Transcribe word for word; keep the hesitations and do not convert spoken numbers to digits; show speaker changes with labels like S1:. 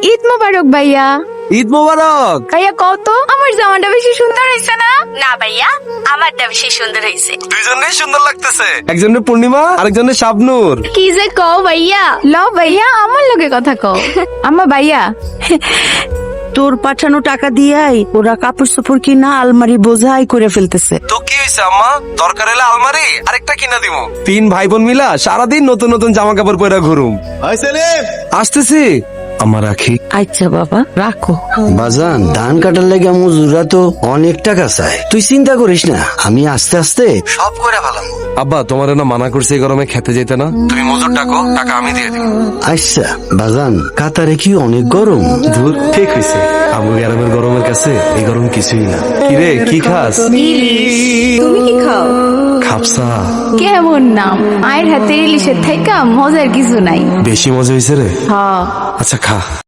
S1: ঈদ মোবারক ভাইয়া।
S2: ঈদ মোবারক।
S1: ভাইয়া কত আমার জামাটা বেশি সুন্দর হয়েছে না?
S3: না ভাইয়া, আমারটা বেশি সুন্দর হয়েছে।
S2: দুইজনেই সুন্দর লাগতেছে, একজনের পূর্ণিমা আরেকজনের শাবনূর।
S1: কি যে কও ভাইয়া। ল ভাইয়া আমার লগে কথা কও। আম্মা ভাইয়া
S4: তোর পাঠানো টাকা দিয়াই ওরা কাপড় চোপড় কিনা আলমারি বোঝাই করে ফেলতেছে।
S2: তো কি হয়েছে আম্মা, দরকার হলে আলমারি আরেকটা কিনা দিব। তিন ভাই বোন মিলা সারাদিন নতুন নতুন জামা কাপড় পরে ঘুরুম। আসতেছি আমার রাখি।
S4: আচ্ছা বাবা রাখো।
S5: বাজান, ধান কাটার লাগে মজুরা তো অনেক টাকা চায়, তুই চিন্তা করিস না, আমি আস্তে আস্তে সব করে ফেলাম।
S2: আব্বা তোমার না মানা করছে এই গরমে খেতে যেতে না, তুমি মজুর ডাকো, টাকা আমি দিয়ে দিব।
S5: আচ্ছা বাজান, কাতারে কি অনেক গরম?
S2: ধুর, ঠিক হয়েছে, আবু গ্রামের গরমের কাছে এই গরম কিছুই না। কিরে কি খাস?
S1: তুমি কি খাও?
S2: খাপসা।
S1: কেমন নাম, মায়ের হাতে ইলিশের থাইকা মজার কিছু নাই।
S2: বেশি মজা হয়েছে রে।
S1: হ্যাঁ
S2: আচ্ছা খা।